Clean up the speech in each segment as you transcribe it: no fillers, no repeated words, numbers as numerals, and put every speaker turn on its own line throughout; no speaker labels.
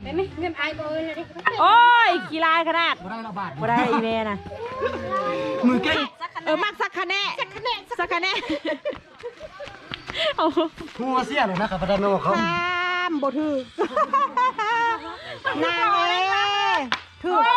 ไหมเงินไอ้บ่เลยดิ
โอ้ยกี่ลายขนาด
บ่ได้ละบาท
บ่ได้อีเมนะ
มือเก่ง
มักสักคะแนนสักคะแนนโอ้
หัวเสียเลยนะครับประธานโนเขา
ตามบ่ถือนางเอ้ถือ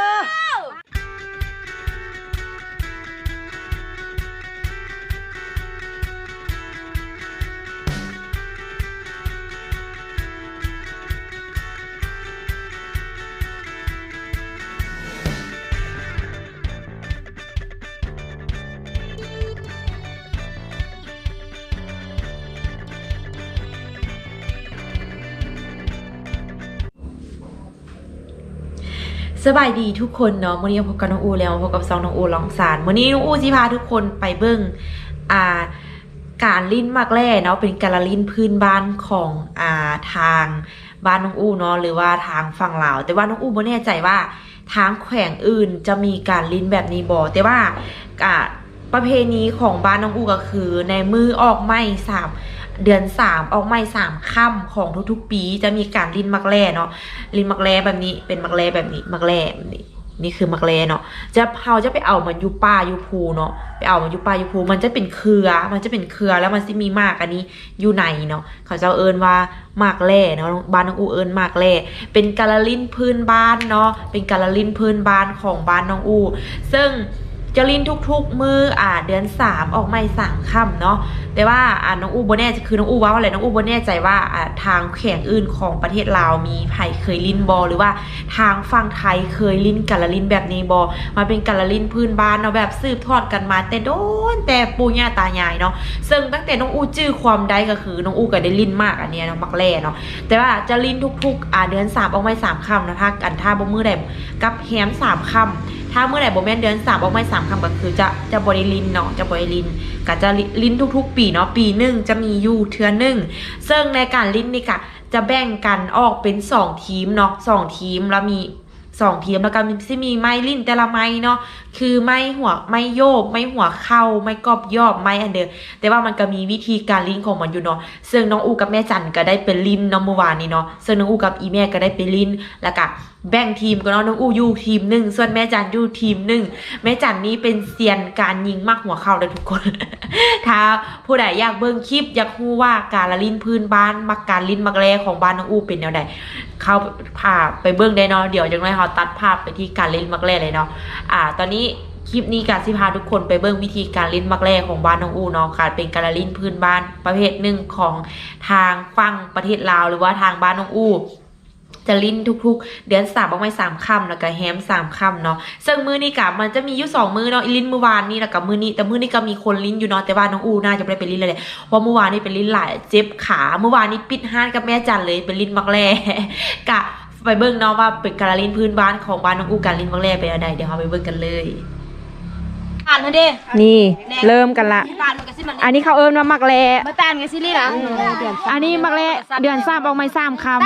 สบายดีทุกคนเนาะวันนี้พบกับน้องอูแล้วพบกับซองน้องอูลองสารวันนี้น้องอูสิพาทุกคนไปเบิ้งการลิ้นมักแร่เนาะเป็นการลิ้นพื้นบ้านของทางบ้านน้องอูเนาะหรือว่าทางฝั่งลาวแต่ว่าน้องอูไม่แน่ใจว่าทางแขวงอื่นจะมีการลิ้นแบบนี้บ่แต่ว่าประเพณีของบ้านน้องอูก็คือในมือออกไม้เดือน3ออกไม้3ค่ำของทุกๆปีจะมีการลิ้นมักแร่เนาะลิ้นมักแร่แบบนี้เป็นมักแร่แบบนี้มักแร่แบบนี้นี่คือมักแร่เนาะเราจะไปเอามันอยู่ป่าอยู่ภูเนาะไปเอามันอยู่ป่าอยู่ภูมันจะเป็นเครือแล้วมันจะมีมากอันนี้อยู่ในเนาะเขาจะเอิ้นว่ามากแร่เนาะบ้านน้องอูเอิ้นมากแร่เป็นการลิ้นพื้นบ้านเนาะเป็นการลิ้นพื้นบ้านของบ้านน้องอูซึ่งจะลิ้นทุกๆมือเดือน3ออกไม่3ค่ำเนาะแต่ว่าน้องอูโบแน่คือน้องอูว่าอะไรน้องอูโบแน่ใจว่าทางแขวงอื่นของประเทศลาวมีไผ่เคยลิ้นบอหรือว่าทางฝั่งไทยเคยลิ้นกาลลิ้นแบบนี้บอมาเป็นกาลลิ้นพื้นบ้านเนาะแบบสืบทอดกันมาแต่โดนแต่ปู่ย่าตายายเนาะซึ่งตั้งแต่น้องอูจื้อความได้ก็คือน้องอูก็ได้ลิ้นมากอันเนี้ยเนาะมักแร่เนาะแต่ว่าจะลิ้นทุกๆเดือน3ออกไม่3ค่ำนะถ้าบ่มือใดกับแฮม3ค่ำถ้าเมื่อไหร่บ่แม่นเดือน3ออกไม่3ค่ำก็คือจะบริลินเนาะจะบริลินก็จะลิ้นทุกๆปีเนาะปีหนึ่งจะมีอยู่เทื่อนึงซึ่งในการลิ้นนี่ค่ะจะแบ่งกันออกเป็น2ทีมเนาะ2ทีมแล้วมี2ทีมแล้วก็มีไม้ลิ้นแต่ละไม้เนาะคือไม้หัวไม้โยบไม้หัวเข้าไม้กอบยอบไม้อันเดิมแต่ว่ามันก็มีวิธีการลิ้นของมันอยู่เนาะซึ่งน้องอูกับแม่จันก็ได้เป็นลิ้นเนาะเมื่อวานนี้เนาะซึ่งน้องอูกับอีแม่ก็ได้เป็นลิ้นแล้วก็แบ่งทีมกันเนาะน้องอูอยู่ทีม1ส่วนแม่จันอยู่ทีม1แม่จันนี้เป็นเซียนการยิงมักหัวเข้าเลยทุกคน ถ้าผู้ใดอยากเบิ่งคลิปอยากรู้ว่าการละลิ้นพื้นบ้านมักการลิ้นมักแร่ของบ้านน้องอูเป็นแนวใดเข้าพาไปเบิ่งได้เนาะเดี๋ยวจังได๋เฮาตัดภาพไปที่การลิ้นมักแร่เลยเนาะตอนนี้คลิปนี้การสิพาทุกคนไปเบิ่งวิธีการลิ้นมักแร่ของบ้านน้องอูเนาะการเป็นการลิ้นพื้นบ้านประเภทหนึ่งของทางฝั่งประเทศลาวหรือว่าทางบ้านน้องอูจะลิ้นทุกๆเดือน3ออกมา3ค่ำแล้วก็แฮม3ค่ำเนาะซึ่งมื้อนี้กะมันจะมีอยู่2มื้อเนาะลิ้นมื้อวานนี้แล้วก็มื้อนี้แต่มื้อนี้ก็มีคนลิ้นอยู่เนาะแต่ว่าน้องอูน่าจะไม่ได้เป็นลิ้นเลยเพราะมื้อวานนี้เป็นลิ้นหลายเจ็บขาเมื่อวานนี้ปิดห้านกับแม่จันเลยเป็นลิ้นมักแร่กะไปเบิ่งเนาะว่าเป็นการลิ้นพื้นบ้านของบ้านน้องอูการลิ้นมักแร่เป็นอะไรเดี๋ยวเราไปเบิ่งกันเลย
อ่านเด้
นี่เริ่มกันละอันนี้เขาเอิ้นว่ามักแร่
มาตานกันซิลี่ล่ะ
อันนี้มักแร่เดือน3ออกมา3ค่ำ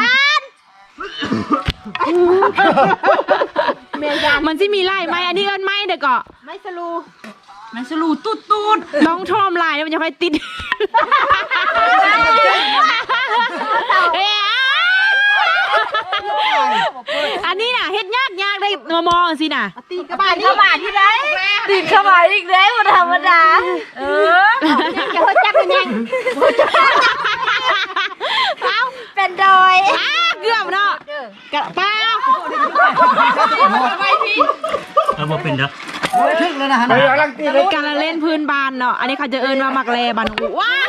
มันจะมีไล่ไหมอันนี้เอิ้นไหมเด็กเกาะ
ไม่สลูตูด
น้องชอบลายแล้วมันจะค่อยติดอันนี้น่ะเฮ็ดยากได้มองสิน่ะ
ตีกระบาดที่ไหนตีกระบาดอีกแล้วธรรมดาจะหัวจักกันยังเป็นดอย
เกือบเนาะกระเป๋า
ไปพี่บ่เป็นเด้อ
โอ้ยถึงแล้วนะฮะ
การเล่นพื้นบ้านเนาะอันนี้เขาจะเอิ้นว่ามักแร่บ้านอูว้า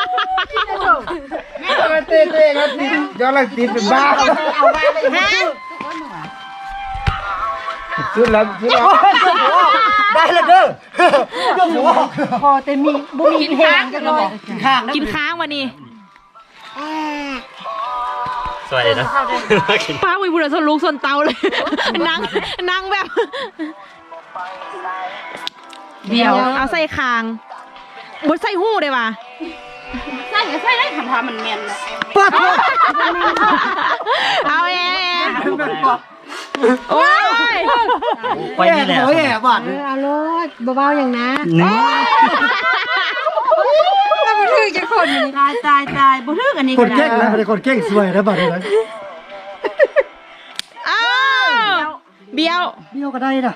เต้ครับนี่ย้อนหลังตีเป็นบ้าสุดแล้วได้แล้วเด้อ
พอแต่มีบุมีแห้งกันเลย
กินค้างวันนี้
สวัสดีนะ
ป้าวิบุญส่วนลูกส่วนเตาเลยนั่งแบบเดี๋ยวเอาใส่คางบดใส่หู้ได้ป่ะ
ใส่ได้ทำมันเมียน
ปัด
เอาโอ้ย
ไปนี่แหละ
โอ้ยบาด
เอาโลดเบาๆอย่างนะบ่ถึกจะคนตายบ่ถึกอันนี้
คนเก่งนะคนเก่งสวยนะบาดเลย
บี้ยว
เบี้ยวก็ได้น่ะ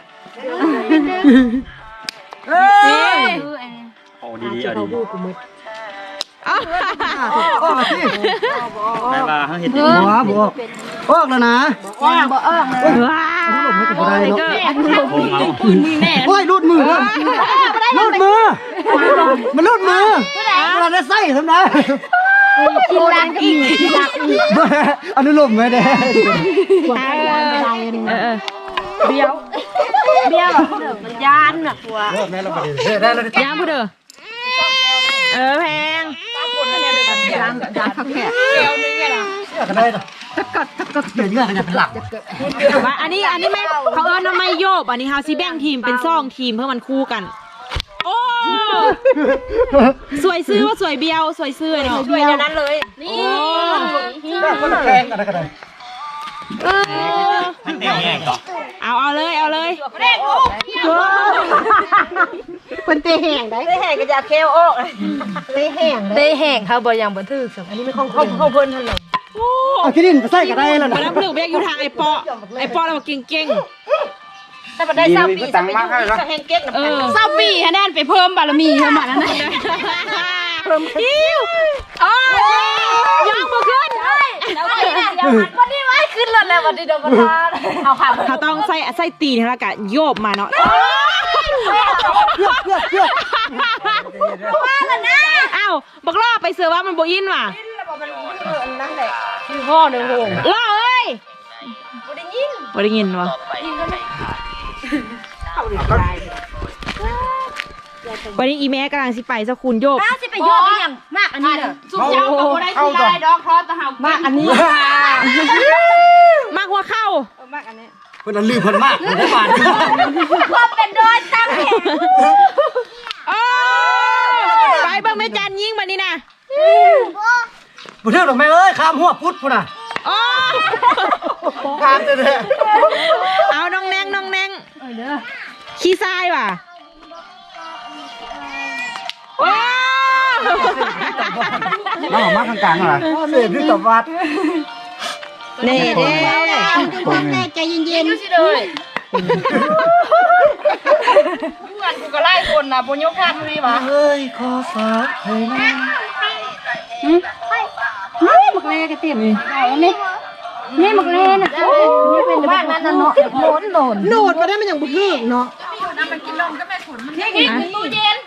นี่
โอ้ดีๆเอาดี
อ้าว
ออกละสิ
ไปว่าเขาเห็น
บัวบอกออกแล้วนะ
ว้าว
หลบไม่กับได้เนาะ
โค้งเอา
โอ้ยรูดมือรูดมือมันรูดมือเราได้ไส้ทำไม
กินร้านก็มี
อนุโลมไม่ได้
เบี้ยวมันยานน่ะ
แม่เราไปได้แล้ว
ยานพูดเด้อแพง
ก็ได้นะก็เกี่ยวเงื่อนกันเป็นหลัก
ว่าอันนี้แม่เขาเอิ้นว่าไม่โยบอันนี้เฮาสิแบ่งทีมเป็น2ทีมเพื่อมันคู่กัน โอ้สวยซื้อว่าสวยเบี้ยวสวยซื้อเนาะสวยอย่างนั้นเลยนี่
คนละแพงกันก็ได้
มันแดงๆต่อ
เอาเลย
คนเตะแห้งได้เตะแห้งก็จะเคลออกเตะแห้งเขาบ่ยังบ่ถืออันนี้ไม่ของเพิ่นเท่านั้น
เอาขี้ดินไปใส่ก็ได้แล้ว
มา
นะ
แล้วเพื่อนเบี้ยอยู่ทางไอ้ปอเราเก่ง
ถ้าบ่ได้เศร้าปีตังมากให้เนาะแห้งเก๊ก
เศร้าปีฮะแนนไปเพิ่มบารมีเพิ่มมาแล้วนะเพิ่มคิวยังบ่ขึ้น
วันนี้ไว้ขึ้นรถแล้ววันนี้โดนประทานเอาค่ะ
เขาต้องใส่ตีนแล้วก็โยบมาเนาะอ้าวบักล่อไปเสือว่ามันบ่อินว่ะ
นั่นแหละคือพ่อหนึ่งโหง
ล่อเอ้ยบ่ได้ยินวะวันนี้อีแม่กำลังสิไปสักคุณโยบ
สิไปโยกยังมากอันนี้เด้อ
สุดเจ้ากับบ่ได้สิได้ดอกคอตะเฮามากอันนี้มากหัวเข้า
เพื่อนลืมเพิ่นมากได้บาท
ความเป็นโดยตั้งแห่ง
ไปเบิ่งแม่จันยิงมานี่นะ
บุเทือกดอกแม่เอ้ยข้ามหัวพุทธพุ่นน่ะข้ามเด้อ
เอาน้องแนงขี้ทรายว่ะว้าว
น้องมากกลางๆเหรอเสพที่ตบวัด
เน่เด้
แม่ใจเย็นๆเลยกูก็ไล่คนนะบุญยกพาดนี่หว่า
เฮ้ยขอฝากให้นะ
นี่มักเล่กระเต็มนี่มักเล่น่ะนี่เป็นบ้านนั้นน่ะเนาะโหนมาได้มันอย่างบุญเนาะนี่ตู้เย็น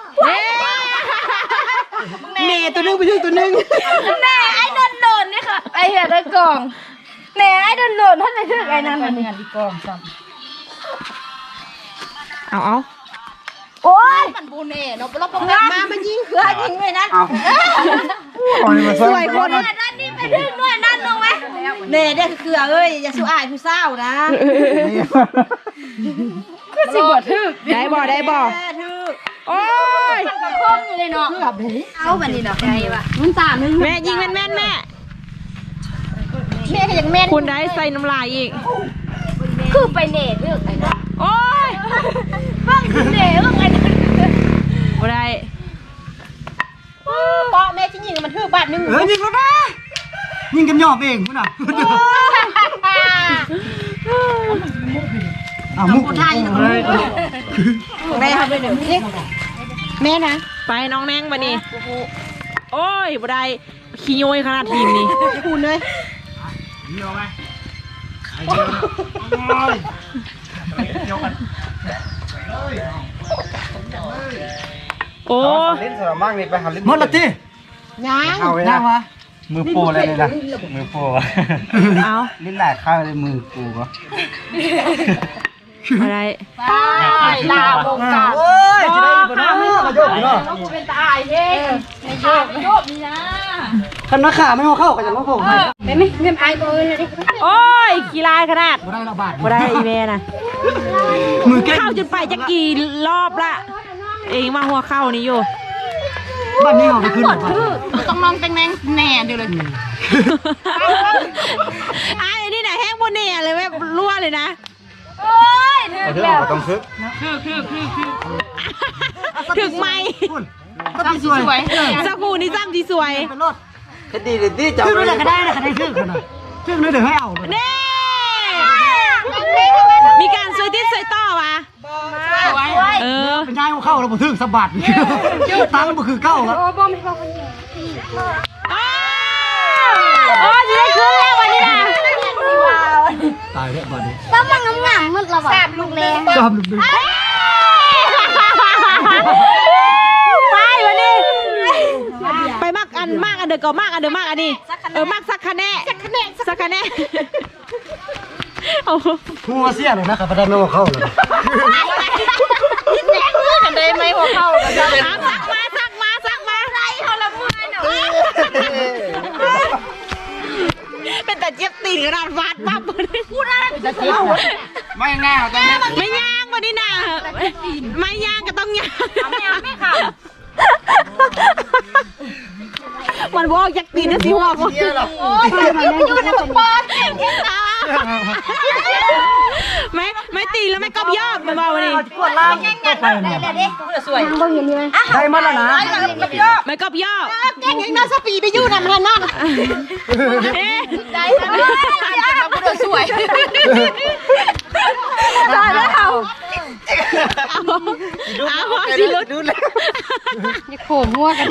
เมย์ตัวนึงไปถึงตัวนึง
แน่ไอ้โดนนี่ค่ะไอ้เหี้ยได้กล่องแน่ไอ้โดนท่านไปถึงไอ้นั่นมันงานดีกล่องซ้ำ
เอา
โอ้ยมันบูเน่เนาะเราปงมามันยิงเขือยิงไว้นั่น
สวยคน
นั่นนี่ไปถึงหน่วยนั่นลงไหมเน่ได้เขือเอ้ยอย่าสู้อายผู้เศร้านะคือสิบ่ถึก
ได้บ่
ถึก
โอ้ย
มันก็คมอยู่เลยเนาะเอาแบบนี้เนาะใจว่ะมันตานึง
แม่ยิงแม่นแม่
แม่ก็ยังแม่น
คุณได้ใส่น้ำลายอีก
คือไปเน่เลือกไอ้นั่น
โอ้ย
บ้างเน่เลือกไอ้นั่น
บ่ได้
ปอแม่ที่ยิงมันถึกบาทนึง
ยิงแล้วนะยิงกันหยอบเองพุ่นน่ะมุกไทย
แม่ทำไปเดี๋ยวนี้แม่นะ
ไปน้องแนงบัดนี้โอ้ยบ่ได้ขี้โยยขนาดทีมนี้
คุณเลย
โอ้
ลิ้นสระมั่งนี่ไปหาลิ้นหมดละที
ยัง
เอาไว้นะมือโปเลยเลยนะ
มือโป้
เอา
ลิ้นแหลกข้าวเลยมือปูก็
อะไร
ไปลาบงการ
โอ้ยจะได้บ่นะมาโยกเนาะ
กูเป็นตาไอ้เท่ในโยกนี่นะ
คันนักขาไม่เข้ากันอย่างน้องผม
ไม่เงินไอ้ตัวเลยดิ
โอ้ยขี้ลายขนาด
บ่ได้ละบาท
บ่ได้อีเมนะ
มือเก่ง
เข้าจนไปจะกี่รอบละเองมาหัวเข้านี่อยู่
บ้านนี้เอาไปขึ้นหมด
ต้องน้องแตงแน่แน่เดียวเลย
ไอ้นี่ไหนะแห้งบนเนี่ยเลยแบบรั่วเลยนะ
โอ้ยถึงแล้ว
ต้องซึก
ถึงไหม
ก็สวย
สกูนี่ซ้ำที่สวย
เป็นรถคดีเด็ดที่จับเลยก็ได้นะคดีซึกขนาดซึกนี่เดี๋ยวให้เอา
เน่
นี่ทำไมถึง
ยติดใส่ต่อวะเออ
เป็นง่ายว่าเข้าแล้วบ่ถึงสะบัดตังค์บ่คือเก้าครับ
โอ้ยได้ขึ้นแล้ววันนี้นะ
ตายแล้วบัดนี้
ก็มันงามมันระบาดลูกแรง
จอมดึง
ไปวันนี้ไปมากอันเดอก็มากอันเดอมากอันนี้มากสักคะแนนสักคะแนนโอ้
หัวเสียเลยนะครับพนันว่าเข้าเลย
กันได้ไหมหัวเข้ากันได้
สักมาไรเขาละมือหนูเป็นแต่เจ็บตีนกระดานฟาดปั๊บพูดอะไรจะเจ็บไม่ง่ายไม่ย่างวันนี้นะไม่ย่างก็ต้องย่างไม่ค่ะมันบอกยักตีนนะสิว่าโอ้ยอยู่ในกระป๋องไม่ตีแล้วไม่กอบยอบมาบอกวันนี้
กดล่างก็ไปนะ
สวยเบิ่งอย่างนี้ไหม
ได้มาแล้วนะ
ไม่กอบยอบ
แกงยังน่าสปีไปอยู่นะมันนั่น
ได้แล้วสวยได้แล้วเอาสิลุดดูเลย
อย่าโขมหัวกัน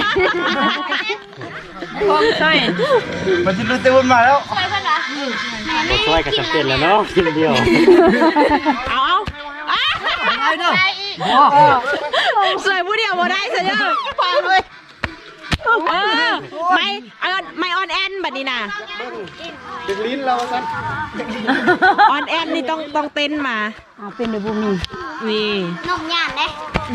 ใช่
มันจะรู้เต็มมาแล้ว
ช่วยกันจำเป็นแล้วเนาะกินเดียว
เอา
ไอ้เนาะ
สวยผู้เดียวบ่ได้สิเด้อฟังเลยไม่ออนแอนแบบนี้นะ
ดึงลิ้นเราสัน
ออนแอนนี่ต้องเต้นมา
เป็นเดบุมี
นี่
นกย่านเด้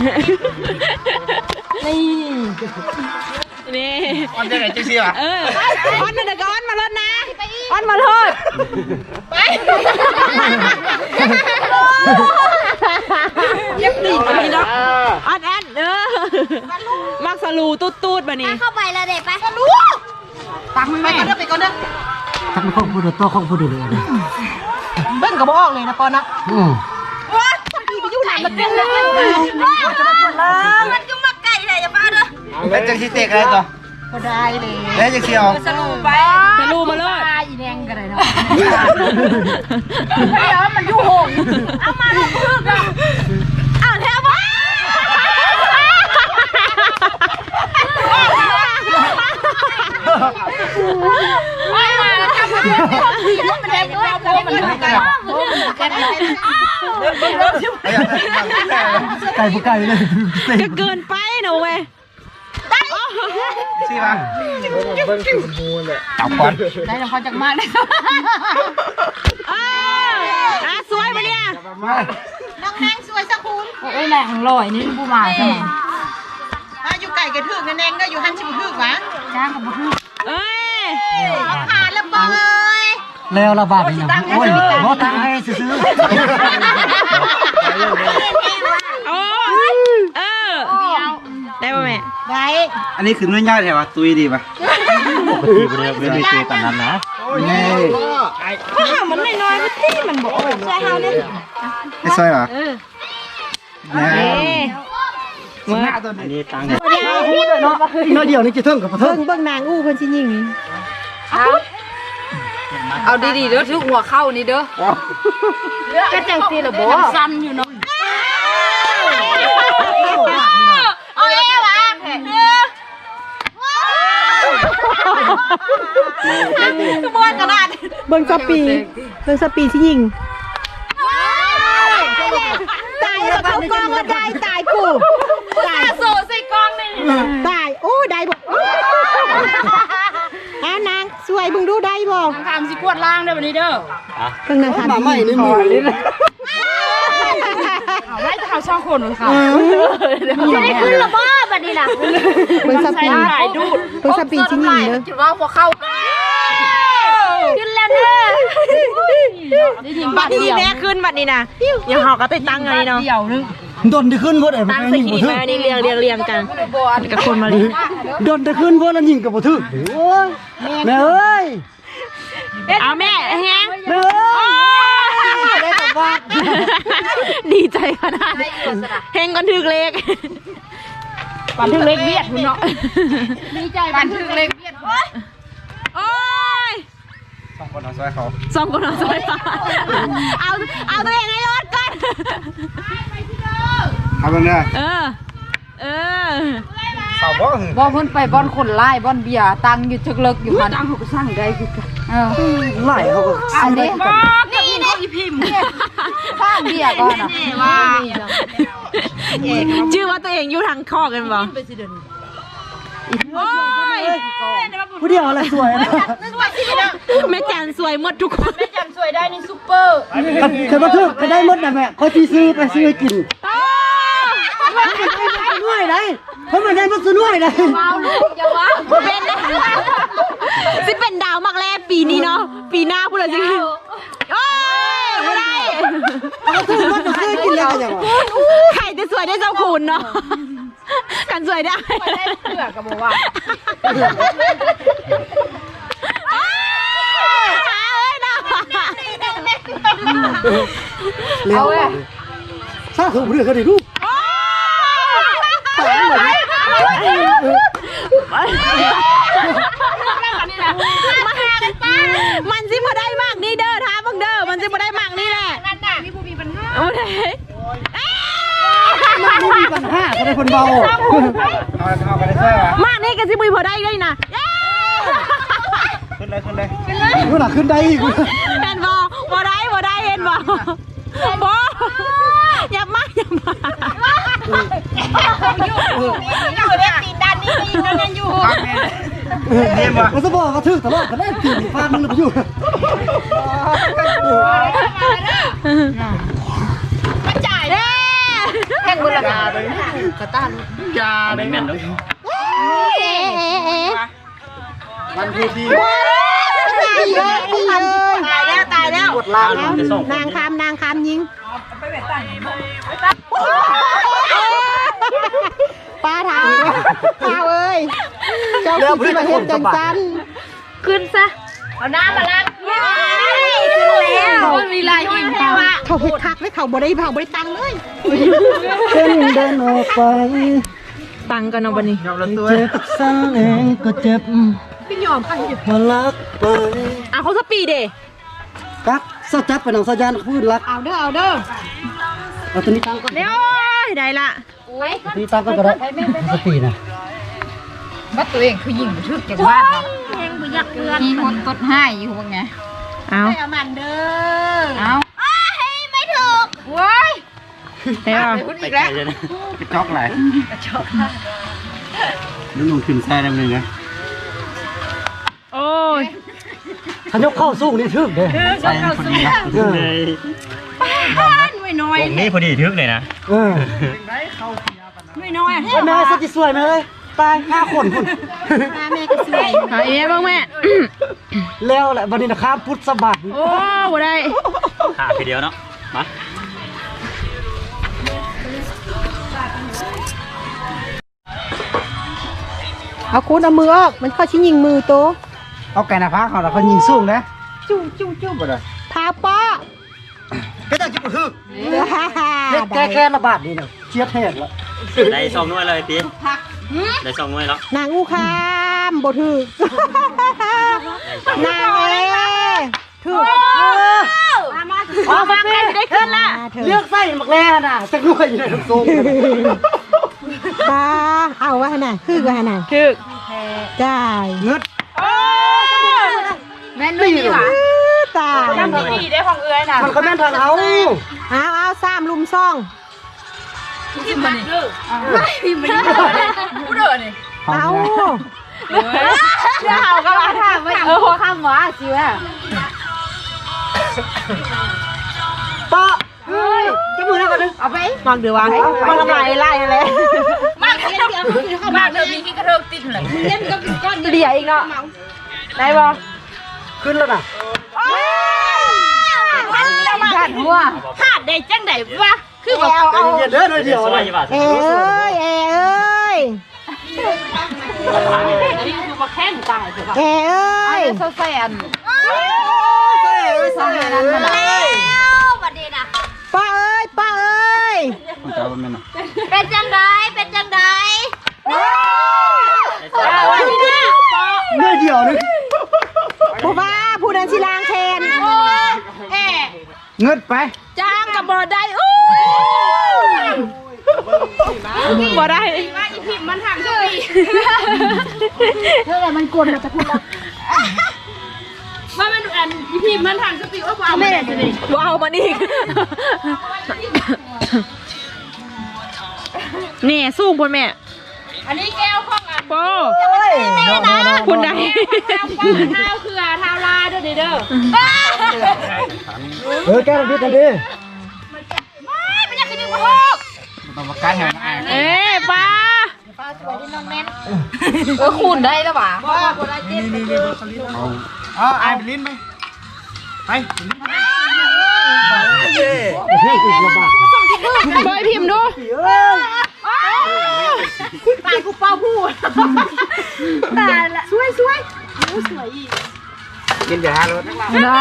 นี่
ออนได้ไหนจะเสีย
ออนเดี๋ยวก็ออนมาลดนะออนมาลดไปยับตีมาเนาะออนแอนมักสลูตูดแบบนี้
เข้าไปแล้วเด็กไป
ตักไม่ไปก่อนเด้อ
ทักข้องพูดตัวข้องพูดเลย
เบิ้งกับบ่ออกเลยนะปอนนะว้าทำทีไปอยู่ไหนมันเป็นเลยมันก็มาไก่เลยอย่าป้าเด้อ
แล้วจะคิดเตะอะไรต่อ
ก็ได้เลย
แล้วจะเชียว
สลูไปสลูมาเลยอีแดงกันเลยเนาะไม่เอามันอยู่หงเอามาลงพึ่งอ่ะอ้าวแท้บ้า
ไก่ผู้ไก่เลย
ก็เกินไปนะเว้ย
สิมาจับควัน
ได้แล้วพอจากมากเลยสวยปะเนี่ยน้องแนงสวยสักคุณโอ้ยแรงลอยนี่ผู้มาใช่ไหมอยู่ไก่กระถึกนั่นเองก็อยู่หันชิบถึกวะจ้างกับถึกเอ้ยผ่านแล้วเบย
แล้วระบาดนี่นะโอ้ยรถทางให้ซื้อ
โอ้ได้ป่ะแม่ได้
อันนี้คือนุ่นยากแถวะตุยดีป่ะ
ปกติเรียนคุยกันนั้นนะ
นี่
ก็หามันน้อยๆมันที่มันบอกใช่เฮาเนี่ย
ไม่ใช่เหรอนี่
อันนี้ตังค์
น้อยเดียวนี่จะเทิงกับเทิง
เบิ่งนางอู้เพิ่นสิยิง
เอาดีๆเด้อทุกหัวเข้านี่เด้อก็จังซีละบ่สั้นอยู่เนาะเอาเอ้วะ
บอลกระดาษเบิ่งสปีสิยิงตายแล้วเขากองก็ได้ตายกูตายโซ่ใส่กองนี่ตายโอ้ได้บ่นางสวยบึงดูได้บ่
ทำสิกวดล่างเด้อบัดนี้เด้อ
เพิ่งนางทำ
มาไม่นี่มือลิ้น
เอาไว้จะเอาช่องคนของเขา
จะได้ขึ้นระบ้าบัดนี้ล่ะ
เบิ่งสปี
ถ่ายดูด
เบิ่งสปีสิยิงเด้อ
คิดว่าหัวเข้า
ขึ้นแล้วเด้อ
บัดนี้แม่ขึ้นบัดนี้นะอย่าหอกก็ติดตั้งอันนี้เนาะ
เดี่ยวนึง
โดนได้ขึ้นพวกไอ้
ตั้งใส่ขี้ดินมาอันนี้เรียงกันกับคนมาลี
โดนได้ขึ้นพวกนั้นยิงกับบ่ถึกโอ้ยแม่เอ้ย
เอาแม่แฮง
แม่ได้ตบว่า
ดีใจขนาดเฮงก่อนถึกเลข
ปันถึงเล็กเบียดคุณเนาะ
ดีใจ
ปันถึงเล็กเบียด
โอ้ย
2 คนเอาซอยเขา
2 คนเอาซอยเอาตัวเองให้รอดก่อน
เอาไปเนี่ย
เออ
สาวบ่
บ่เพิ่นไปบ่อนคนไล่บ่อนเบียร์ตังอยู่จึกเลิกอยู่หั่นตังเขาก็สร้างได้คือกัน
ไหลเขาก็
อันนี้นี่อีพิมพ์สร้างเบียร์ก่อนน่ะว่า
ชื่อว่าตัวเองอยู่ทางคอกันบ่โอ้ย
ผู้เดียวอะไรสวยนะ
แม่จันสวยหมดทุกคน
สวยได้นี่ซุปเปอร์
เคยมาทึกก็ได้หมดนะแม่เขาที่ซื้อไปซื้อกินด้วยได้เพราะมันได้มาซื้อด้วยได้
อย่าว่า
เป็นนะสิเป็นดาวมากแรกปีนี้เนาะปีหน้าพูดเลยสิโอ้ยไม่ได้
เขาซื้อมาซื้อกินแล้วอย่างวะ
ใครจะสวยได้เจ้าคุณเนาะกันสวยได้
เสือก็บอกว่า
เลี้ยวซาถูกเรื่องกันดิลูก
มันสิมาได้มากนี่เด้อท้าบังเด้อมันสิมาได้มากนี่แหละนั่นน่ะนี่ผู้มีปัญหาโอเค
มันมีปัญหาก็ได้คนเบาเอาไปได้ใช่ไหม
มากนี่กันสิบุยพอได้ด้วยนะ
ขึ้นได้ขึ้นหลังขึ้นได้อีก
เห็นบ่พอได้เห็นบ่บ่อย่ามา
อยู่ได้ตีนด้านนี้ก็ยิงนั่นอยู่
มันจะบอกเขาทึกตลอดก็ได้ตีนฟาดมันเลยไปอยู่
มาจ่ายเด้แข่งบุญละกาเลยกระต้านยา
ไม่แม่นด้วย
มันคือดี
ตายแล้ว
กดล้าง
นางคำยิงป้าถามเอ้ยเจ้าคือมาเห็นจังสันขึ้นซะ
เอาน้ำมาล้าง
ขึ้นแล้ว
มันมีลายหิน
เขาเห็ดคักเลยเขาบ่ได้ตังเลย
เส้นเดินออกไป
ตังกันเอาบันนี้
เจ็บซ้ำเองก็เจ็บ
พี่ยอมค่ะ
มาลักไป
เขาสปีดเด้
กักสจับไปหนังสะยานพูดรัก
เอาเด้อ
เอาตัวนี้ตั้งก็
เดี๋ยวได้ละ
นี่ตั้งก็ได้สปีนะ
ว่าตัวเองคือยิงไปทึกจากบ้านเนาะมีคนตดให้อยู่ว่าไง
เอา
เอาไม่ถูกเว้ย
เดี๋ยว
ไปไกลเลยนะกระจอกไหลนี่ลงขึ้นแซ่ได้ไหมเนี่ย
โอ้ย
ถ้ายกเข้าสู้นี่ทึกเด้
ใช่พอดีนะเลย
ไม่น้อย
ตรงนี้พอดีทึกเลยนะ
ไม่น้อย
แม่สติสวยไหมเลยตาย5 คนคุณ
แม่ก็สวยหาเอ๊ะบ้างแม่
แล้วแหละวันนี้นะครับพุทธสบัด
โอ้บ่ได้
หาทีเดียวเนาะมา
เอาคุณเอามือออกมันเข้าชิ้นยิงมือโต
เอาไก่หน้าผากเขาแล้วเขายิงสูงนะจุ้งบ่ได้
พาป้า
ก็ต้องจิบทึกแค่ระบาดนี่นะเชียดแทกแล้ว
ได้2 หน่วยเลยปีได้2 หน่วยแล้ว
นางอูคามบ่ถือนางถือ
มาไม่ได้ขึ้นละ
เลือกไส้หมักแร่น่ะจะรวยอยู่ในทุกทรง
ป้าเอาวะน่ะคือว่าน่ะ
คือ
จ่าย
เงิด
แม่นุ่ยนี่หว่า
ตาย
น้ำดีได้ของเอื้อยน่ะ
มันก็แม่นทางเอา
เอา3 ลุมซ่อง
ที่มันนี่ที่มันนี่กูเด้อนี่
เอา
เดี๋ยวเอาก็มาถามว่าคำว่าสิว่า
ป้าเฮ้ยจะมือแล้วกันนึง
เอาไป
มองเดี๋ยววางมันทำลายไล่เลย
มากเดี๋ยวมากเธอมีที่กระเทิงติดเลยเล่นก็เป็นก้อน
เดี๋ยวอีกเนาะได้บ่
ขึ้นแล้วน่ะ
ขาดหัวขาดได้จังไดวะคือแบบเอา
เย็นเด้อเดียว
ส
เล
วย
ย
ยี่บาท
เอ้ย
นี่คือมาแข้งตายใช่ปะ
เอ้ย
โซแซน
ใส่นั้นมาเลย
ป้าเอ้ย
ของเจ้าเป็นไง
เป็นจังได
เนื้อเดียวนึง
ผู้ว่าผู้นั้นสิล้างแทน
เงิดไป
จ้างกับบอได้อู้บอได้
เท่าไหร่มันกวนมาจะพูดแล้ว
ว่ามันอันพี่มันทางสติว่าเอา
ไม่ได้สิ
ว้าวมันอีกนี่สู้บนแม่
อันนี้แก้วข้องอ่ะ
โป้คุณได้
เท้าคือเท้าลาเด้อเด้อ
แก้ลำพิษกันดิ
ไม่อยากกินหมู
ต้องมาการแห่งไอ้
เอ๊ป้า
คูณได้แล้วป่ะ
อ๋อไอ้เป็นลิ้นไหมไปลำบาก
บอยพิมพ์ดู
ตายกูเป้าพูดตายละสวยสวยสวยอีก
กินอย่าหารถ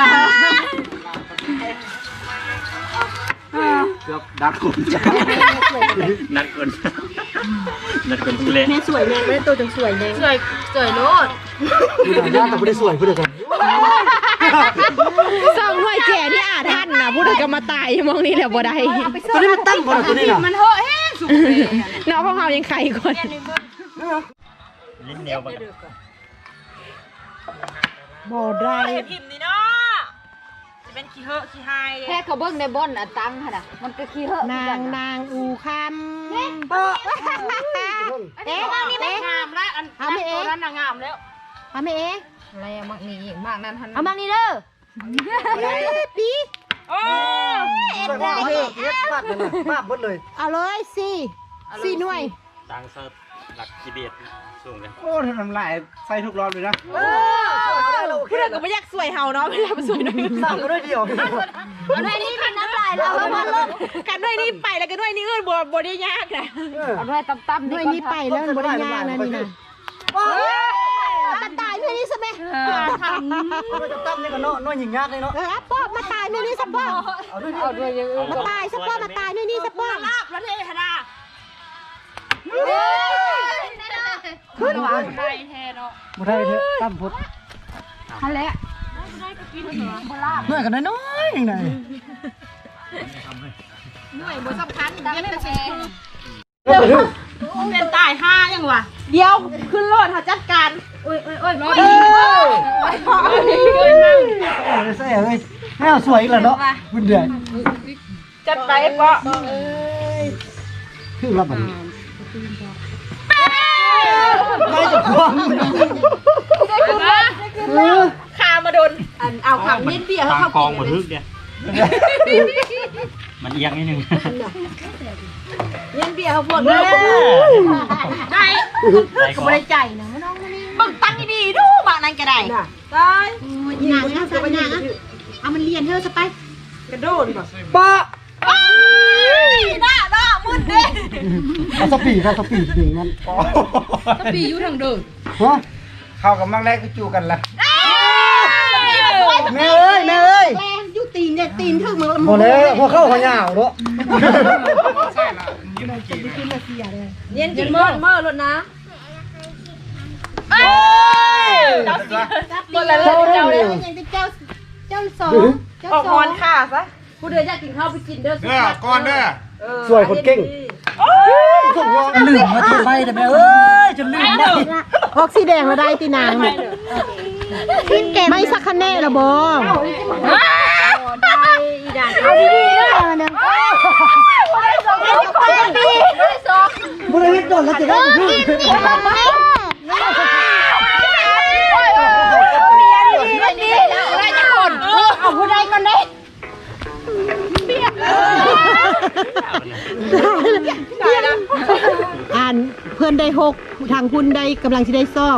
เกือบดักคนจ้า
นัดคนผู้เล่น
แม่สวยแม่ไม่ได้ตัวจังสวยแม่
สวยโลด
ผู้ใดแต่ไม่ได้สวยผู้ใดกัน
สองหน่วยแก่ที่อาท่านนะพูดถึงก็มาตายมองนี่แหละบ่ได้
ตัวนี้มันตั้งคนตัวนี้น่ะ
มันเหอะแห้งสุด
น้องของเขายังไข่ก่อน
ลิ้นเหนียวปะ
บ่ได้
พิมพ์นี่เนาะจะเป็นขี้เหอะขี้ไฮ
แค่เขาเบิ้งในบ่อนอ่ะตังค่ะมันก็ขี้เหอะ
นางอูคำเอ๊ะ
นี่ไม่งามแล้วอันตัวนั้นงามแล้ว
เอาไม่เอ๊ะ
อะไรมากนี่มากนั้นทัน
เอาบ้างนี่เด้อปี
โอ้
ว่าเฮ็ดมากเลยมากหมดเลย
เอาเลยสี่หน่วย
ตังเซิร์ฟหลักกิเบียดสูงเลย
โอ้ทำลายใส่ทุกรอบเลยนะ
พูดถึงก็ไม่อยากสวยเฮาเนาะไม่อยากสวยหน่อย
สั่งก็ได้เดียว
เอาด้วยนี่เป็นน้ำลายแล้วมันลง
กันด้วยนี่ไปแล้วกันด้วยนี่อื่นบ่ได้ยากนะ
เอาด้วยตั้มๆ
ด้วยนี่ไปแล้วมันบ่ได้ยากนะนี่นะมาตายเมื่อนี้ใช่ไหม
จะตั้มนี่ก็น้อยหญิงยากเลยเนาะ
ป้อมาตายเมื่อนี้สัป้อ
เอาด้วย
เอาด้วยยัง
มาตายสัป้อมาตายเมื่อนี้สัป้อ
ลาบแล้วเทหดา
ขึ้นหวานได้แท้เนาะ
บ่ได้เถอะตั้มพุทธ
นั่นแหละ
น้อยกันน้อยอย่างไร
บ่สำคัญดังไม่แพง
เป็นตายห้ายังวะเดี๋ยวขึ้นรถหาจัดการ
โอ้ยน้อย
ใส่เอ้ยให้เอาสวยอีกแล้วเนาะบุญเดือน
จัดไปปะ
ครึ่งรับมันไม่จะควง
คามาโดนเอาขังเล่นเบียร์
ทาง
เขา
กองบนทึกเนี่ยมันเอียงนิดนึง
เล่นเบียร์เขาพวกได้
ใจก็
บริใจนะไม่น้องนี่บึกตั้งดีๆดูบ้านนั้นก็ได้ได้
หนังนะสับหนังเอามันเรียนเธอสไป
กระโดดป่ะ
ปะ
หน้ามุดเด้
เอาสปีดดึงมัน
ปีอยู่ทางเดิม
ฮะเข้ากับมังแรกก็จูกันละแม่เอ้ย
แรงยุตีนเนี่ยตีนถึงมือ
หมดแล้วพอเข้าหัวหน้าเนาะ
เย็นจริงเมื่อรถนะหมดแล้ว
เจ้าเรื่อง
อย่างที่เจ้าสอง
ออกฮอนค่ะซะผู้เดินอยากกินข้าวไปกินเด้อ
ก่อนเด้อ
สวยคนเก่งสุดยอดลืมมาทำไมแต่แม่เอ้ยจนลืมได้
ออกสีแดงแล้วได้ตีนางไม่สักคะแนนละบอเอาดีๆด้วยนะ
บริเวณโดนแล้วจะได้พูด
เอาผู้ใดก่อนได้อ่านเพื่อนได้6ทางคุณได้กำลังจะได้2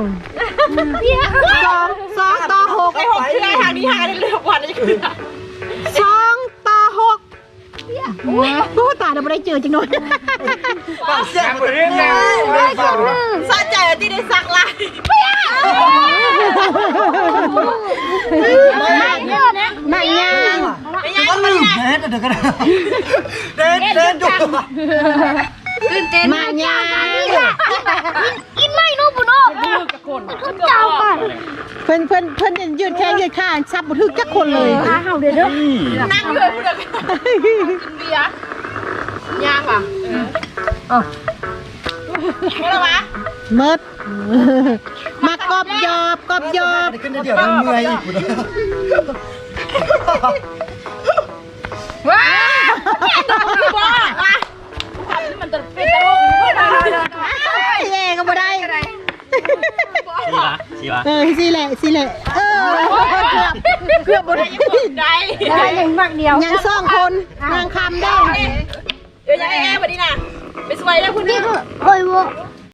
2ต่อ6
ไอ้หกชื่อไอ้ทางนี้หาได้เร็วกว่านี้คือ
2ต่อ6โอ้ตายเราไม่ได้เจอจริงหน่อย
เสียงบริเวณแล้ว
สะใจที่ได้สักลาย
ไม่ยัง
ก็ลืมเด็ดเดี๋ยวก็ได้เด็ดจุก
ตื่นเต้น
มายัง
กินไม่นู้บุโน่
มาเจ้าก่อนเพิ่นยืดแข้งยืดขาซับบ่ถึกจักคนเลยขาเฮาเด้อ
นั่งเลยพูดเลยกินเบียร์ย่างว่ะอะไรวะ
เมิดมากอบยอบกอบยอบ
ขึ้นเดี๋ยวมันเมื่อยอีก
ว้าว้าว้ามันจะเป็นตลก
เย่ก็บ่ได้
ชีวะ
สิแหละเกือบบ่ได้
ได้ยังมากเดียว
ยัง2คนนางคำได้
เดี๋ยวยังไงวันนี้น่ะไปสวยแล้วคุณนี่
โอ้ยบ่